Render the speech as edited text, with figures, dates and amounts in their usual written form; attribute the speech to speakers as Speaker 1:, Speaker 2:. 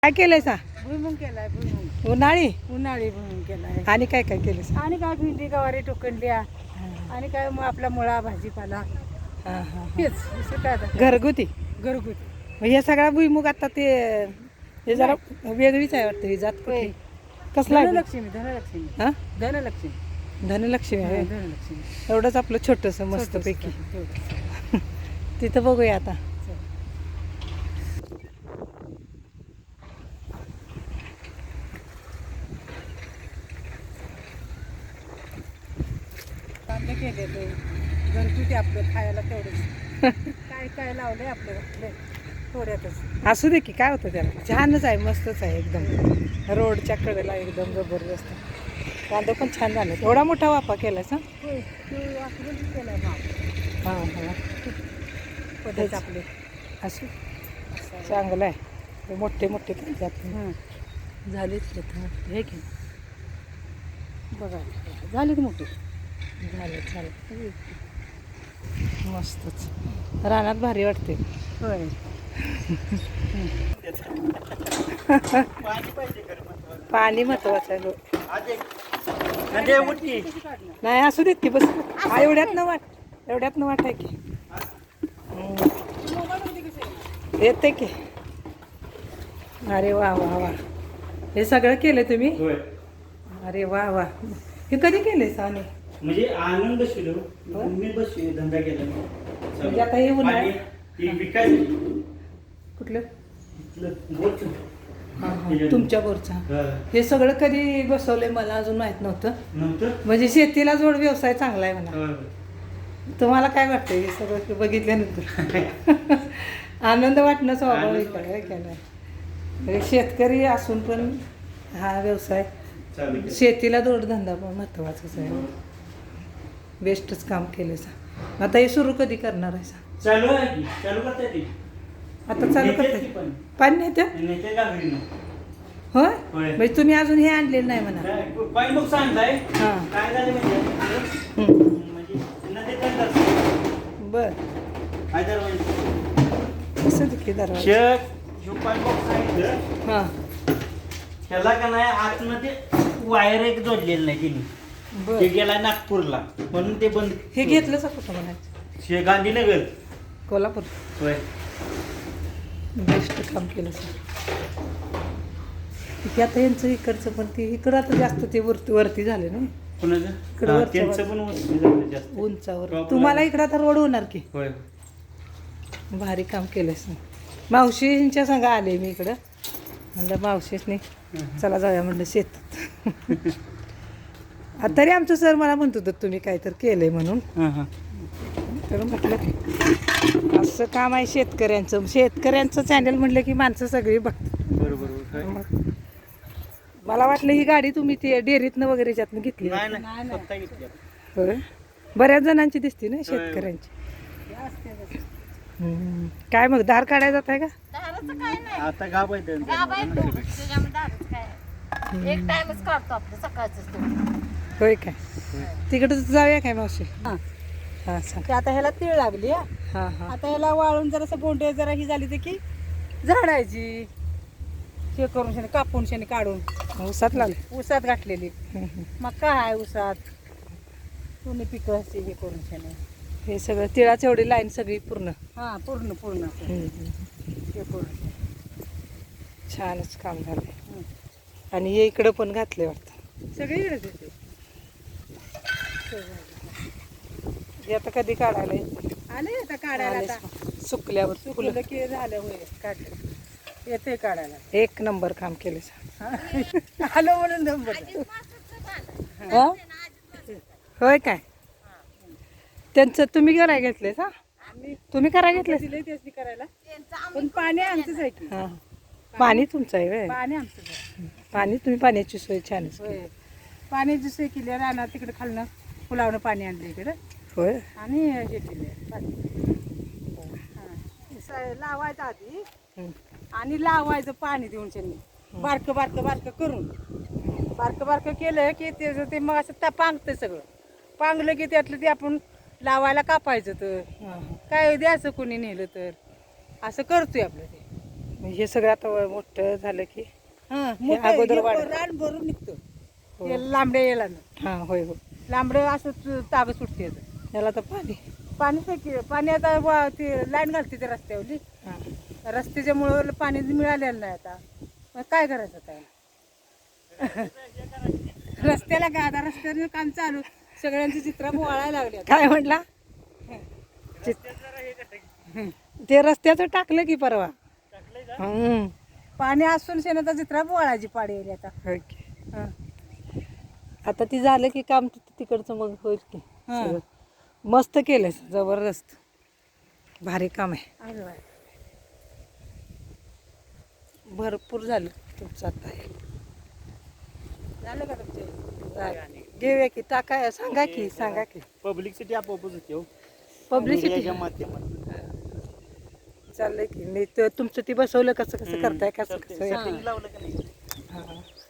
Speaker 1: काय केलंय सा?
Speaker 2: भुईमुग केलाय भुईमुग.
Speaker 1: उन्हाळी
Speaker 2: उन्हाळी भुईमुग केलाय.
Speaker 1: आणि काय काय केलं सा?
Speaker 2: आणि काय भेंडी गवारी टोकनल्या आणि काय मग आपला मुळा भाजीपाला
Speaker 1: हा हा
Speaker 2: हेच दुसरं काय आता.
Speaker 1: घरगुती.
Speaker 2: घरगुती.
Speaker 1: मग हे सगळा भुईमुग आता ते हे जरा वेगळीच आहे वाटतं ही जात कुठली? कसला आहे?
Speaker 2: धनलक्ष्मी धनलक्ष्मी
Speaker 1: हा
Speaker 2: धनलक्ष्मी
Speaker 1: धनलक्ष्मी आहे.
Speaker 2: धनलक्ष्मी
Speaker 1: एवढंच आपलं छोटंसं मस्तपैकी.
Speaker 2: तेवढंच.
Speaker 1: तिथं बघूया आता.
Speaker 2: कांदे केले ते घरगुती आपलं खायला तेवढंच. काय काय लावलंय आपलं घातलंय थोड्यातच.
Speaker 1: असू दे की काय होतं त्याला. छानच आहे मस्तच आहे एकदम. रोडच्या कडेला एकदम जबरदस्त. कांदा पण छान झाले. एवढा मोठा वाफा केलाय सा?
Speaker 2: होय ते वापरून केलाय माप
Speaker 1: हां हां
Speaker 2: पद्धत आपले.
Speaker 1: असू चांगलं आहे. हे मोठे मोठे त्यात
Speaker 2: झालीच हे की बघा झाली की मोठी
Speaker 1: झालं झालं मस्तच. रानात भारी वाटते.
Speaker 2: होय.
Speaker 1: पाणी महत्वाचं आहे. नाही असू देत की बस. हा एवढ्यात न वाट आहे की येते की. अरे वा वा वा हे सगळं केलं तुम्ही? अरे वा वा. हे कधी केले साने?
Speaker 3: म्हणजे आनंद शिलो मी बस धंदा केला.
Speaker 1: म्हणजे आता हे उन्हाळ्यात कुठलं? तुमच्या बोरचा. हे सगळं कधी बसवलंय मला अजून माहित नव्हतं. म्हणजे शेतीला जोड व्यवसाय चांगला आहे म्हणा. तुम्हाला काय वाटतंय हे सगळं बघितल्यानंतर? आनंद वाटणं स्वाभाविक आहे का नाही? शेतकरी असून पण हा व्यवसाय शेतीला जोडधंदा पण महत्वाचाच आहे. बेस्टच काम केलं सा. आता हे सुरू कधी करणार आहे सा?
Speaker 3: चालू आहे की चालू करता येते.
Speaker 1: आता चालू करते पाणी नेते होय. म्हणजे तुम्ही अजून हे आणलेलं नाही म्हणा.
Speaker 3: काही नुकसान आहे.
Speaker 1: हां
Speaker 3: काय झालं म्हणजे
Speaker 1: बर कसं देखील दरवाजा. हां
Speaker 3: त्याला का नाही आतमध्ये वायर एक जोडलेलं नाही तिने.
Speaker 1: बर
Speaker 3: ते गेला नागपूरला म्हणून ते बंद.
Speaker 1: हे घेतलं सा कुठं म्हणायचं?
Speaker 3: गांधीनगर
Speaker 1: कोल्हापूर.
Speaker 3: होय.
Speaker 1: बेस्ट काम केलं सर. ते आता यांचं इकडचं पण ते इकडं आता जास्त ते वरती झाले ना इकडं वरच्या
Speaker 3: त्यांचं पण वस्तू झालं जास्त
Speaker 1: उंचावर. तुम्हाला इकडं आता रोड होणार की.
Speaker 3: होय.
Speaker 1: भारी काम केलं सर. मावशींच्या संग आले मी इकडं. म्हणलं मावशीसनी चला जाऊया म्हणलं शेतात. तरी आमचं सर मला म्हणत होतं तुम्ही काहीतरी केलंय म्हणून. तर म्हटलं असं काम आहे शेतकऱ्यांचं. शेतकऱ्यांचं चॅनल म्हटलं की माणसं सगळी बघतात.
Speaker 3: बरोबर.
Speaker 1: मग मला वाटलं ही गाडी तुम्ही ते डेअरीतनं वगैरे ज्यातनं घेतली. होय. बऱ्याच जणांची दिसते ना शेतकऱ्यांची. काय मग धार काढायला जात आहे का?
Speaker 3: आता गाव आहे
Speaker 4: एक टाइमच काढतो आपलं सकाळचं.
Speaker 1: होय काय? तिकडं जाऊया काय मावशी?
Speaker 2: हां
Speaker 1: हां सांग.
Speaker 2: ते आता ह्याला तीळ लागली हा.
Speaker 1: हां हां
Speaker 2: आता ह्याला वाळून जरासं बोंडे जरा ही झाली तर की झाडायची हे करून शेणे कापून शेणे काढून
Speaker 1: ऊसात लागले.
Speaker 2: ऊसात घातलेली. मका आहे ऊसात. दोन्ही पिकं असे हे करून शेणे.
Speaker 1: हे सगळं तिळाची एवढी लाईन सगळी पूर्ण.
Speaker 2: हां पूर्ण पूर्ण हे करून
Speaker 1: छानच काम झालंय. आणि हे इकडं पण घातले वाटतं.
Speaker 2: सगळीकडेच येते.
Speaker 1: हे आता कधी काढायला येते?
Speaker 2: आले आता काढायला आता
Speaker 1: सुकल्यावर फुलं.
Speaker 2: फुलं की झालं होय काढलं येते काढायला.
Speaker 1: एक नंबर काम केले
Speaker 2: आलो म्हणून नंबर.
Speaker 1: होय काय? त्यांचं तुम्ही करायला घेतले का? तुम्ही करायला घेतले?
Speaker 2: दिले त्याची करायला पण पाणी आमचंच आहे की.
Speaker 1: हां पाणी तुमचं आहे व्हय?
Speaker 2: पाणी आमचंच आहे.
Speaker 1: पाणी तुम्ही पाण्याची सोय छानच केली.
Speaker 2: होय पाण्याची सोय केली. रानात तिकडे खालनं फुलावनं पाणी आणलं इकडं
Speaker 1: होय.
Speaker 2: आणि हे केले पाणी. लावायचं आधी आणि लावायचं पाणी देऊन त्यांनी बारकं बारकं बारकं करून बारकं बारकं केलं की त्याचं ते मग असं पांगतं सगळं. पांगलं की त्यातलं ते आपण लावायला कापायचं. तर काय द्यायचं कोणी नेलं तर असं करतोय आपलं ते.
Speaker 1: हे सगळं आता मोठं झालं की
Speaker 2: हा
Speaker 1: हे अगोदर
Speaker 2: हे
Speaker 1: वाढ-
Speaker 2: रान भरून निघतं ते लांबड्या याला
Speaker 1: हा होय हो
Speaker 2: लांबडं असं ताग सुटते
Speaker 1: त्याला तर पाणी
Speaker 2: पाणी आता ते लाईन घालते ते रस्त्यावरली
Speaker 1: हा
Speaker 2: रस्त्याच्यामुळं पाणी मिळालेलं नाही आता मग काय करायचं काय रस्त्याला का आता रस्त्यावर काम चालू सगळ्यांची चित्र वळायला लागली आता.
Speaker 1: काय म्हटला ते रस्त्याचं टाकलं की परवा हम्म.
Speaker 2: पाणी असून शेणाचा चित्र वळायची पाडी आली आता
Speaker 1: ओके.
Speaker 2: हा.
Speaker 1: आता ती झालं की काम तिकडचं मग होईल की
Speaker 2: हा.
Speaker 1: सगळं. मस्त केलंय जबरदस्त भारी काम आहे
Speaker 2: अरे वा.
Speaker 1: भरपूर झालं तुमचं आता हे.
Speaker 2: झालं का तुमचे
Speaker 1: घेऊया की टाका सांगा की
Speaker 3: पब्लिसिटी आपोआपच होते हो
Speaker 1: पब्लिसिटी
Speaker 3: मीडियाच्या माध्यमातून
Speaker 1: चाललंय की मी तुमचं ती बसवलं कसं कसं करताय कसं कसं
Speaker 3: सेटिंग लावलं का नाही
Speaker 1: हा.